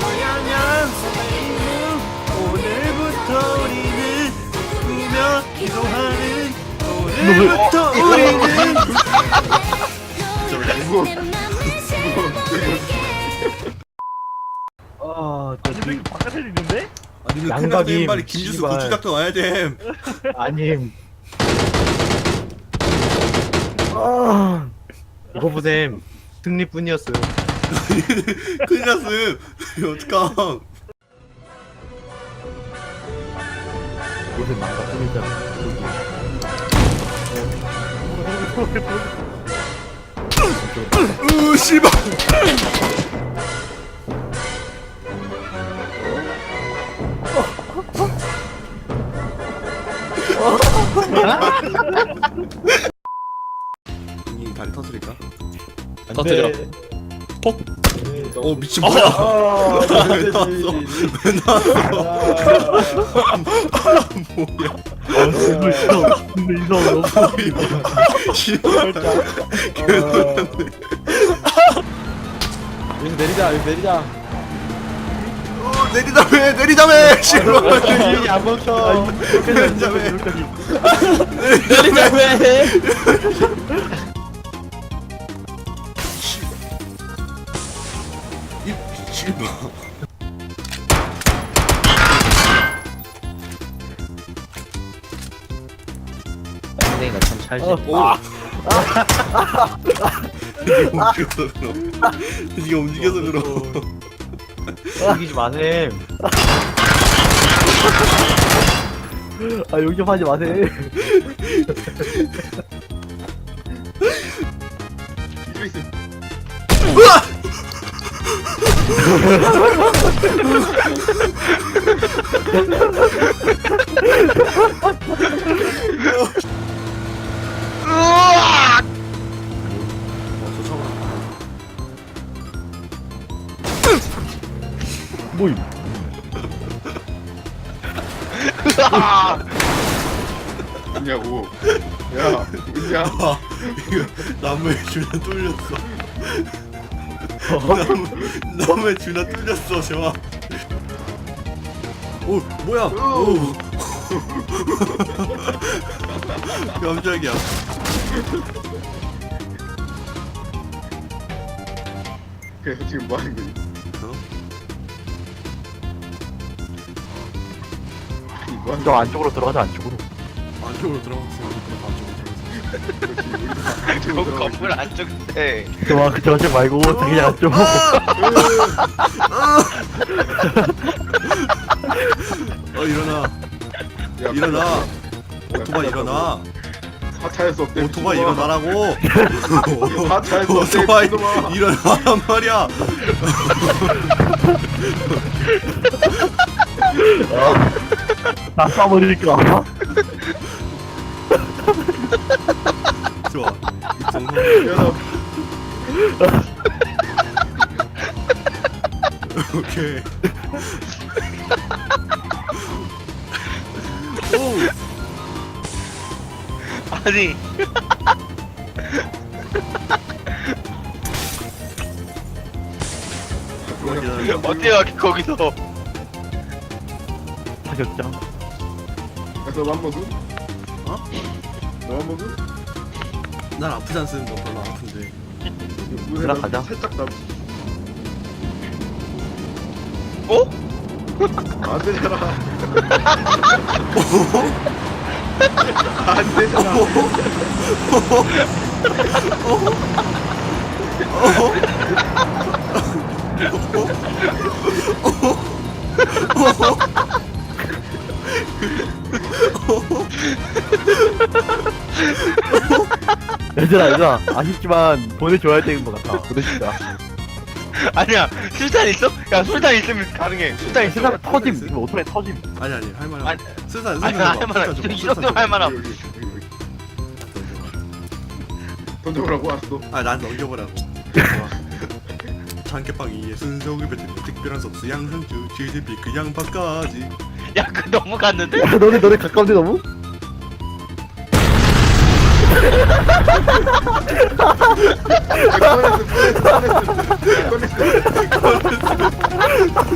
고향양 선생님 오늘부터 우리는 꾸며 기도하는 오늘부터 우리는 아니 왜 바깥에 있는데? 아니 그 양각임, 큰일 빨리 김주수 씨발. 고추작도 와야 됨. 아님. 아, 이거 보셈. 승리뿐이었어요. 큰일 났음. 이거 어떡함. 요새 망가뿐이잖아. 씨발. 이 다리 터뜨릴까? 터뜨려. 톡. 어 미친 뭐야? 왜 나왔어? 왜 나왔어? 뭐야? 근데 이거 너무 씨발. 여기 내리자, 여기 내리자. 내리다매 내리다매 씨발. 여기 안 멈춰. 내리다매 내리자 왜? 이 씨발. 선생이가 참 찰지. 네가 움직여서 그럼. 움직이지 마셈. 아, 여기 좀 하지 마셈. 뭐임? 있냐고. 야, 있냐? 아, 이거 나무에 줄나 뚫렸어. 나무에 줄나 뚫렸어, 재화. 오, 뭐야? 오. 깜짝이야. 그래서 지금 뭐 하는 거지? 아니, 뭐 하는 저 안쪽으로 들어가자, 안쪽으로. 안쪽으로 들어갔어요. 거지? 그 건물 안쪽인데 저쪽 말고, 그냥 안쪽. 일어나. 야, 일어나. 빨리 오토바이 일어나. 하차할 수 없대. 오토바이 일어나라고. 하차할 수 없대. 오토바이 미친놈아. 일어나란 말이야. 나 쏴버릴까? 좋아. 이 정도. 야, 오케이. 오. 아니 어떻게 여기 거기서 타격장. 너한 번도? 어? 너한 번도? 난 아프지 않습니다. 별로 안 아픈데. 들어가자. 살짝 나. 어? 안 되잖아. 안 되잖아. 얘들아, 아쉽지만 보내줘야 되는 것 같아. 보내주자. 아니야 술탄 있어? 야 술탄 있으면 가능해 술탄 있어 세상 터짐. 지금 오토바이 터짐. 아니 할만해. 아니, 쓸산 아니 할만한 이 정도면 할만함 여기. 던져보라고 왔어. 난 넘겨보라고. 장깨빵 2의 순서를 뱉은 특별한 소스 양상추 치즈비 그 양파까지. 야 그 너무 갔는데? 야, 너네 가까운데 너무? 꺼냈어.